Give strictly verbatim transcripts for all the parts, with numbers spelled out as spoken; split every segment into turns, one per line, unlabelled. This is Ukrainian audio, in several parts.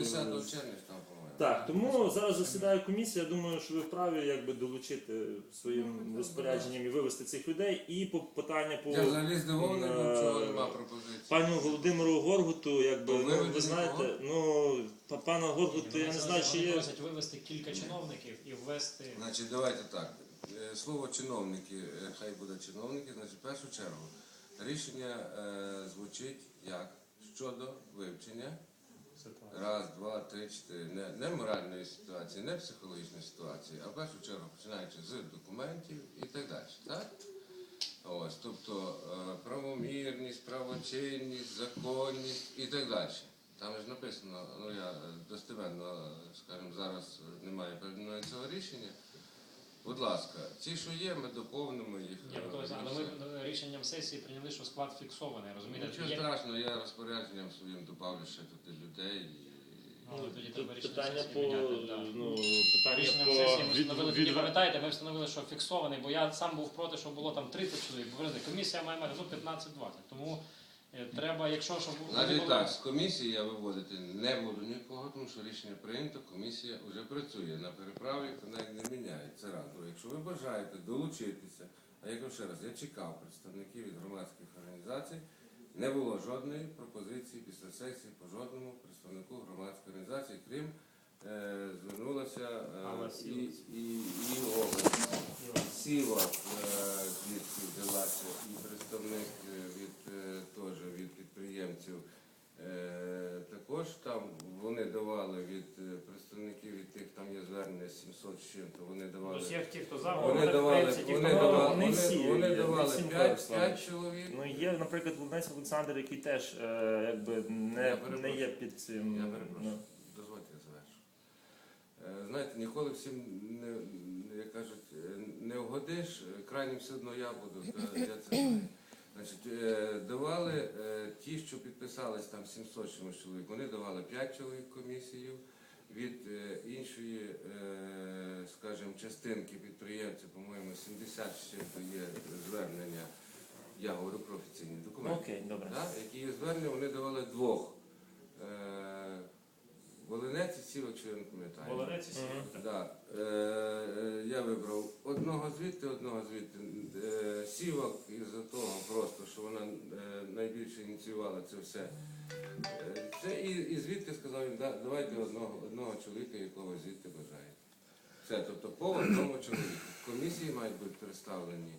десятого червня там, по-моєму.
Так, тому зараз засідає комісія, я думаю, що ви вправі якби долучити своїм розпорядженням і вивести цих людей. І по питання по
Я взагалі здивований,
е,
чого нема пропозиції.
пану Володимиру Горгуту, якби,
То
ну,
виведення
ви знаєте,
кого?
ну, па- пана Горгуту, я не знаю, чи
Вони
є...
просять вивести кілька чиновників і ввести...
Значить, давайте так. Е, Слово чиновники, е, хай буде чиновники, значить, в першу чергу рішення е, звучить як щодо вивчення раз, два, три, чотири, не, не моральної ситуації, не психологічної ситуації, а в першу чергу починаючи з документів і так далі. Так? Ось, тобто е, правомірність, правочинність, законність і так далі. Там ж написано, ну я достеменно, скажімо, зараз немає перед мною цього рішення. Будь ласка, ці, що є, ми доповнимо їх.
Ні, ну, тобто, але ми рішенням сесії прийняли, що склад фіксований, розумієте?
Нічого
Є-
страшного, я розпорядженням своїм добавлю ще тут людей. І...
Ну, тоді треба рішення
Питання
сесії
по...
міняти, да.
Ну, питання
Рішенням
по...
сесії ми
від-
встановили,
від-
тоді пам'ятаєте, ми встановили, що фіксований, бо я сам був проти, що було там тридцять чоловік, бо ви знаєте, комісія має мати ну, п'ятнадцять-двадцять, тому е, треба, якщо щоб... вони
Навіть
були-
так, з комісії я виводити не буду нікого, тому що рішення прийнято, комісія вже працює на переправі, вона не міняє. Це раз. Друге, якщо ви бажаєте долучитися, а я кажу ще раз, я чекав представників від громадських організацій, не було жодної пропозиції після сесії по жодному представнику громадської організації, крім е, звернулася е,
Алла
і,
Сілос.
і, і область. Сіла звідки взялася, і представник е, від, е, теж від підприємців. Е, Також там вони давали від е, представників від тих, там є звернення сімсот з чим-то, вони давали.
Усіх ті, хто за,
Вони
вони,
давали,
в принципі, ті,
вони
хто
давали,
проти.
не всі,
вони, вони
є,
давали
не всім
п'ять,
Руслан.
п'ять чоловік.
Ну, є, наприклад, Володимир Олександр, який теж е, якби
Я
не,
перепрошую.
не є під цим...
Я
ну,
перепрошую, дозвольте я завершу. Е, Знаєте, ніколи всім, не, не, як кажуть, е, не вгодиш, е, крайнім все одно я буду, та я це знаю. Значить, е, давали е, ті, що підписались там сімсот чимось чоловік, вони давали п'ять чоловік комісію, від е, іншої, е, скажімо, частинки підприємців, по-моєму, сімдесят з чим-то є звернення, я говорю про офіційні
ну,
документи.
окей, добре.
Да, які є звернення, вони давали двох. Е, Волинець і Сівок, що я не пам'ятаю.
Волинець і Сівок,
Мгм.
Да. Е, е, я вибрав одного звідти, одного звідти. Е, Сівок із-за того просто, що вона е, найбільше ініціювала це все. Е, це і, і звідти сказав їм, да, давайте одного, одного чоловіка, якого звідти бажаєте. Все, тобто по одному чоловіку. В комісії мають бути представлені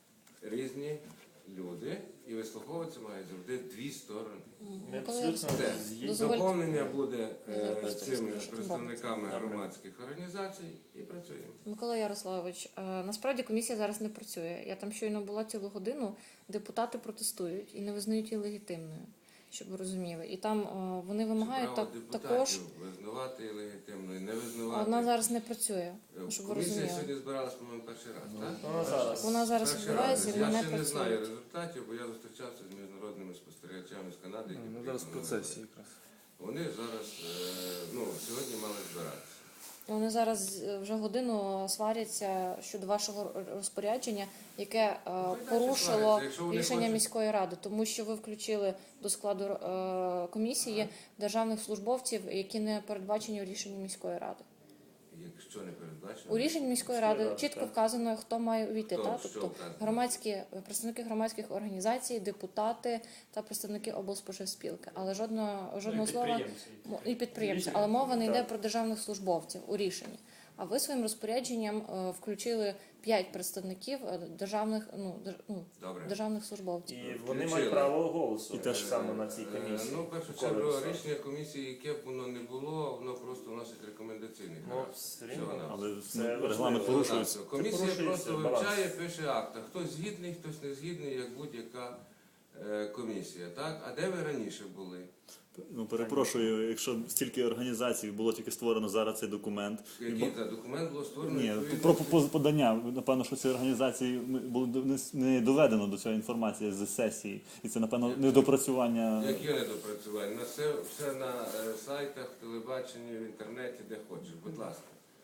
різні люди, і вислуховуватися мають завжди дві сторони.
Ми
Микола
абсолютно
Це
згідні.
дозвольте.
доповнення буде
Я
е,
просто
цими
розкажу, що
представниками
Добре.
громадських організацій і працюємо.
Микола Ярославович, е, насправді комісія зараз не працює. Я там щойно була цілу годину, депутати протестують і не визнають її легітимною, щоб ви розуміли. І там е, вони вимагають
Це право
так,
депутатів
також,
визнавати легітимно і не
а
визнавати.
вона зараз не працює,
Е,
щоб ви
Комісія
розуміли.
сьогодні збиралась, по-моєму, перший раз, так?
Вона зараз.
Вона зараз
Перший
відбувається
раз.
і
Я
вона
ще не знаю
працює.
результатів, бо я зустрічався з міжнародними спостерігачами з Канади. які
Ну, зараз в
приїхали.
процесі якраз.
Вони зараз, е, ну, сьогодні мали збиратися.
Вони зараз е, вже годину сваряться щодо вашого розпорядження, яке е,
далі
порушило
сваряться, якщо вони
рішення
хочуть.
міської ради, тому що ви включили до складу е, комісії державних службовців, які не передбачені у рішенні міської ради.
Якщо не передбачено.
У рішенні міської
Міської
ради
ради,
чітко
так.
вказано, хто має увійти.
Хто,
Так?
що
Тобто
вказано?
громадські представники громадських організацій, депутати та представники облспоживспілки. Але жодного жодного слова
підприємці.
Мо- і підприємці,
Рішення.
але мова не йде
Так.
про державних службовців у рішенні. А ви своїм розпорядженням е, включили п'ять представників е, державних, ну, дер- ну,
Добре.
державних службовців.
І вони
Включили.
мають право голосу
І теж
так само на цій
Е,
комісії.
Ну, в першу
Микола
чергу,
Ярославович.
рішення комісії, яке б воно не було, воно просто вносить рекомендаційний
Ну,
характер.
все
Всього
рівно.
на
Але
Це
ну,
важливо.
регламент порушується.
Так, комісія
порушується
просто
баланс.
вивчає, пише акта. Хтось згідний, хтось не згідний, як будь-яка е, комісія. Так? А де ви раніше були?
Ну, перепрошую, якщо стільки організацій було тільки створено зараз цей документ.
Який це документ було створено?
Ні,
відповідно-
про по- подання, напевно, що ці організації було не- не доведено до цієї інформації з сесії. І це, напевно, недопрацювання.
Які недопрацювання? На все, все на е, сайтах, в телебаченні, в інтернеті, де хочеш. Будь ласка.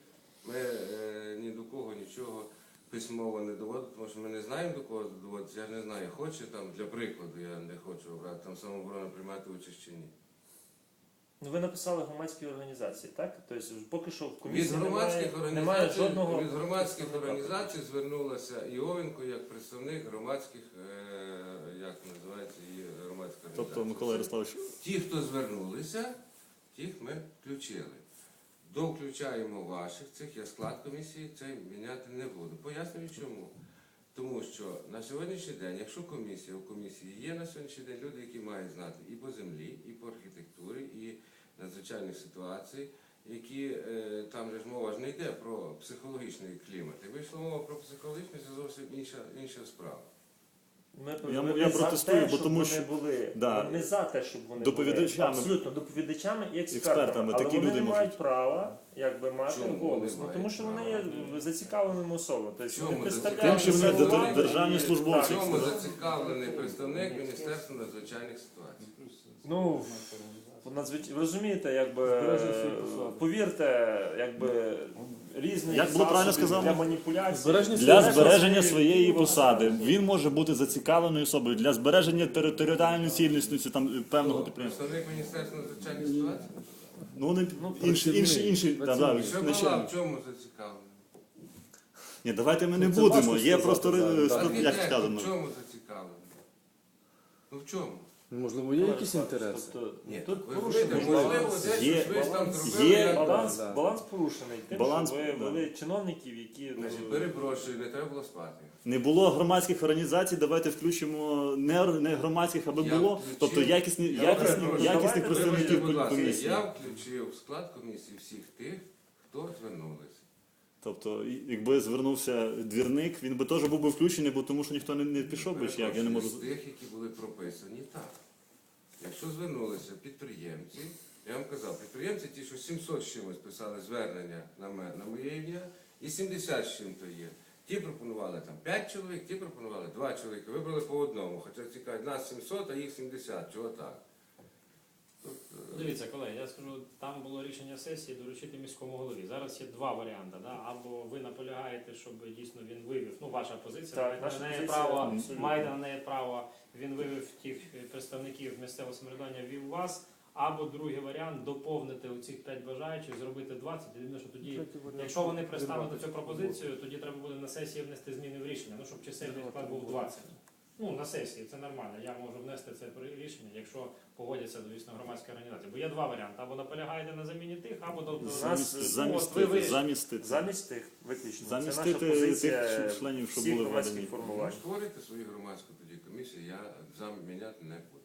Ми е, ні до кого нічого письмово не доводимо, тому що ми не знаємо, до кого доводиться. Я не знаю, хоче там, для прикладу, я не хочу брати там самооборону приймати участь чи ні.
Ну, ви написали громадські організації, так? Тобто поки що в
Від
комісії
громадських
немає, немає
організацій,
жодного...
від громадських організацій звернулася Іовенко як представник громадських, е, як називається її громадська організація.
Тобто, Микола Ярославович,
Ті, хто звернулися, тих ми включили. Довключаємо ваших цих, я склад комісії цей міняти не буду. Пояснюю чому. Тому що на сьогоднішній день, якщо комісія, у комісії є на сьогоднішній день люди, які мають знати і по землі, і по архітектурі, і надзвичайних ситуацій, які е, там же ж мова ж не йде про психологічний клімат. Якби йшла мова про психологічний, це зовсім інша, інша справа.
Ми,
Я-
ми
я
за
протестую,
те,
бо
щоб
тому
вони
що-
були.
Да.
Ми не за те, щоб вони
Доповідачами.
були. Абсолютно, доповідачами і експертами.
Експертами,
Але
такі
вони
люди
не мають
можуть.
права якби, мати
Чому
голос.
не
Ну,
мають
тому що вони
права?
є зацікавленими особами. Тобто
Чому
вони представляють
Тим, що вони
свою
дер-
владу
державні
і-
службовці.
В
Так.
чому зацікавлений представник Міністерства надзвичайних ситуацій?
Ну, надзвич... ви розумієте, якби,
Збереження своєї посади.
повірте, якби, різні
Як було правильно
засоби
сказано?
для маніпуляцій.
Збереження
для збереження своєї посади він може бути зацікавленою особою для збереження територіальної цілісності там певного
Хто?
підприємства.
Представник Міністерства надзвичайних ситуацій?
Ну вони інші,
працівник,
інші, інші, да, да,
працівник.
Що
начальник.
була, в чому зацікавлений?
Ні, давайте ми не
Ну, це
будемо.
важко
Є
сказати
просто
зараз,
е,
так.
ст- як
Архітектор
сказано.
в чому зацікавлений? Ну в чому?
Можливо, є якісь інтереси?
Тобто,
Ні,
тут
ви
порушений
розумієте, можливо,
баланс.
десь
Є-
щось ви там
баланс-
зробили.
є
як-
Баланс,
Да.
баланс порушений тим,
Баланс,
що ви
да.
вели чиновників, які... ну,
Значить, перепрошую, не треба було спати.
Не було громадських організацій, давайте включимо не, ор- не громадських, аби
Я
було.
включив-
Тобто якісні,
Я
якісні,
перепрошую,
якісних
давайте
Вибачте,
представників
будь ласка,
комісії.
я включив в склад комісії всіх тих, хто звернулися.
Тобто, і- якби звернувся двірник, він би теж був би включений, бо тому що ніхто не, не пішов би, чи як я не можу.
З тих, які були прописані, так. Якщо звернулися підприємці, я вам казав, підприємці ті, що сімсот з чимось писали звернення на мене, на моє ім'я, і сімдесят з чим-то є. Ті пропонували там п'ять чоловік, ті пропонували два чоловіка, вибрали по одному. Хоча цікавить, нас сімсот, а їх сімдесят. Чого так? Тобто,
Дивіться, колеги, я скажу, там було рішення сесії доручити міському голові. Зараз є два варіанти. Да? Або ви наполягаєте, щоб дійсно він вивів, ну ваша позиція,
Так,
маєте
наша
на неї
позиція
право,
абсолютно.
маєте на неї право, він вивів тих представників місцевого самоврядування, ввів вас. Або другий варіант доповнити оцих п'ять бажаючих, зробити двадцять. Єдине, що тоді, якщо вони пристануть на цю пропозицію, тоді треба буде на сесії внести зміни в рішення. Ну, щоб чисельний склад був двадцять. Ну, на сесії, це нормально. Я можу внести це при- рішення, якщо погодяться, звісно, громадські організації. Бо є два варіанти. Або наполягаєте на заміні тих, або до, до
нас,
Замість,
ну,
замістити,
от ви- ви-
замістити.
Замість тих, виключно. Це наша
Замістити
позиція
тих членів, що
всіх
були
громадських
введені.
формувань.
створюйте свою громадську тоді комісію, я заміняти не буду.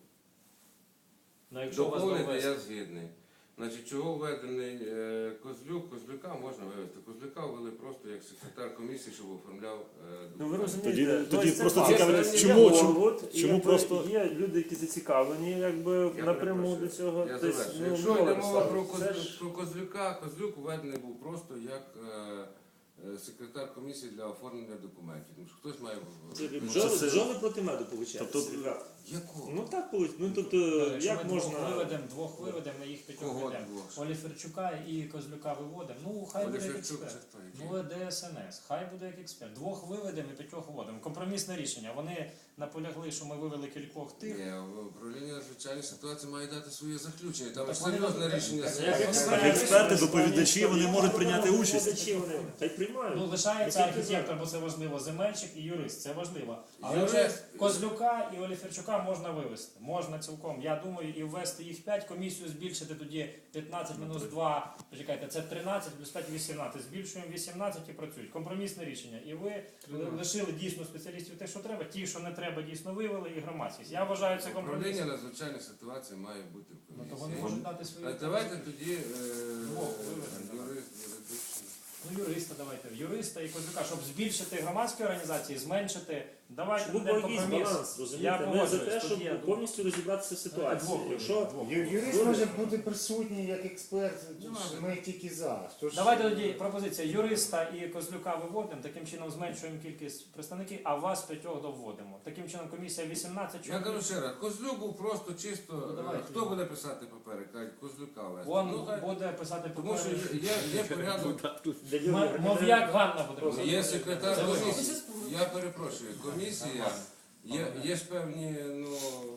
Ну, якщо у вас
Доповнити
довести.
я згідний. Значить, чого введений е, Козлюк? Козлюка можна вивести. Козлюка ввели просто як секретар комісії, щоб оформляв е,
Ну ви
документи.
розумієте,
Тоді- тоді
ось це
просто
класно.
цікавить,
Є
чому- чому-
Горгут, і
чому
якби
просто-
є люди, які зацікавлені, якби
Я
напряму
перепрошую,
до цього.
Я
Тобто,
завершую.
ну,
Якщо
Микола
йде мова про,
Ярославович, це
Коз-
ж-
про Козлюка, Козлюк введений був просто як е, е, секретар комісії для оформлення документів. Тому що хтось має в-
Це
Ну,
бджоли,
це-
бджоли проти меду виходить.
Тобто-
ребята.
Якого?
Ну так виходить. Ну тобто,
Якщо
як
ми двох
можна.
виведемо, двох виведемо, на їх п'ятьох
Кого
ведемо.
двох?
Оліферчука і Козлюка виводимо. Ну, хай буде як
Оліферчук
експерт.
це хто? Який?
Ну, ДСНС, хай буде як експерт. Двох виведемо і п'ятьох вводимо. Компромісне рішення. Вони наполягли, що ми вивели кількох тих.
Ні, управління надзвичайних ситуацій має дати своє заключення. Там
Так
ж
вони
серйозне
не-
рішення.
Так,
сесії.
як
Так
експерти,
експерти, доповідачі, вони можуть прийняти участь.
Доповідачі вони хай приймають.
Ну, лишається
Ну, тільки
архітектор, бо це важливо, земельщик і юрист, це важливо. Але
Юрист-
вже Козлюка і Оліферчука можна вивести. Можна цілком. Я думаю, і ввести їх п'ять, комісію збільшити тоді п'ятнадцять мінус два, почекайте, це тринадцять, плюс п'ять вісімнадцять. Збільшуємо вісімнадцять і працюють. Компромісне рішення. І ви лишили дійсно спеціалістів те, що треба, ті, що не треба, дійсно вивели, і громадськість. Я вважаю, це компроміс.
Управління надзвичайних ситуацій має бути в
Ну, то вони
комісії.
можуть дати свої.
А давайте тоді е,
Двох виведемо.
юрист, юридичний.
Ну, юриста давайте, юриста і Козлюка, щоб збільшити громадські організації, зменшити. Давайте
Щоб був
будемо
якийсь
компроміс.
баланс,
Я
розумієте? Ми за
погоджуюсь,
те,
тоді
щоб
я думаю.
повністю розібратися в ситуації.
Двох
Якщо
виведемо,
Ю- Юрист може бути присутній як експерт,
Ну,
ми тільки за. Тож-
Давайте тоді пропозиція юриста і Козлюка виводимо, таким чином зменшуємо кількість представників, а вас п'ятьох доводимо. Таким чином комісія вісімнадцять
Я кажу
чоловік.
ще раз, Козлюк був просто чисто.
Ну,
е,
давайте.
Хто буде писати папери? Кажуть, Козлюка вести.
Он
Ну, хай-
буде писати
Тому що
папери.
є, є порядок.
для
М-
Юрія
Мов'як Ганна буде писати.
Є секретар
Це ви-
комісії. Я перепрошую, комісія, є, є ж певні ну,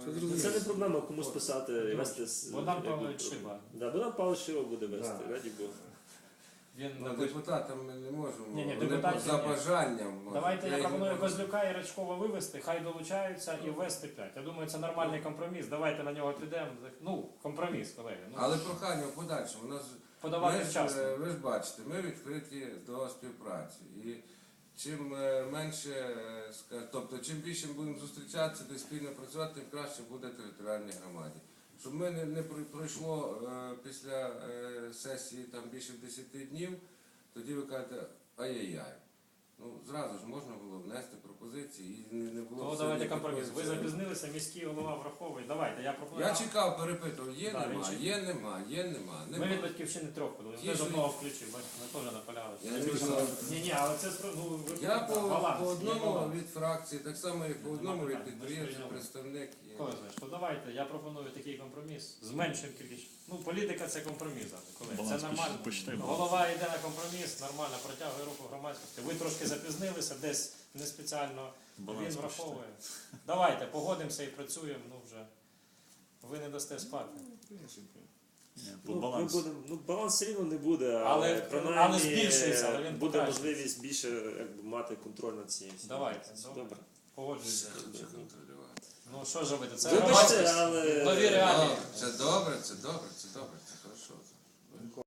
розумію.
Це не проблема комусь писати і вести. з-
Богдан
якби,
Павлович
про-
Шиба.
Да, Богдан Павлович Шиба буде вести,
Да.
раді Бога.
Він
Ну,
напише.
депутатам ми не можемо.
Ні, ні,
Вони
депутатів
за
ні.
бажанням. можуть.
Давайте я
їх не
пропоную
можу.
Козлюка і Рачкова вивести, хай долучаються і ввести п'ять. Я думаю, це нормальний компроміс. Давайте на нього підемо. Ну, компроміс, колеги. Ну,
Але прохання в подальшому. У нас
подавати
Ми ж,
вчасно.
е, ви ж бачите, ми відкриті до співпраці. І чим е, менше, е, ска- тобто чим більше ми будемо зустрічатися та спільно працювати, тим краще буде територіальній громаді. Щоб ми не, не прой- пройшло е, після е, сесії там більше десяти днів, тоді ви кажете, ай-яй-яй. Ну, зразу ж можна було внести пропозиції і не, не було.
То
все
давайте
ніякої
компроміс. Ви
черги.
запізнилися, міський голова враховує. Давайте, я пропоную.
Я чекав, перепитував, є,
Да, він
нема,
чекав.
є, нема, є, нема.
Ми
нема.
від батьківщини трьох подали.
Ті,
Ми з
що-
одного включив, бачите, ми теж наполягали.
Я не знаю.
Ні, ні, але це спро- ну, ви
Я по,
баланс,
по
є
одному
баланс.
від фракції, так само і по одному від
питань, ми ж
підприємців,
прийняли.
представник. і-
Коли знаєш, то давайте, я пропоную такий компроміс. Зменшуємо кількість. Ну, політика це компроміс, завжди, колеги.
Баланс
Це нормально.
почитай, баланс.
Голова йде на компроміс, нормально протягує руку громадськості. Ви трошки запізнилися, десь не спеціально.
Баланс
Він враховує. Давайте, погодимося і працюємо, ну вже. Ви не дасте спати.
Ні, по
Ну, ми
балансу.
будемо, ну, баланс все рівно не буде, але,
Але-
принаймні,
але збільшується, але він
буде
покращується.
можливість більше якби, мати контроль над цією. всією
Давайте,
ситуацією.
добре.
Добре.
Погоджуюся.
Що контролювати?
Ну що ж робити? Це
Вибачте,
громадськість.
але
Нові реалії.
Це добре, це добре, це добре, це хорошо.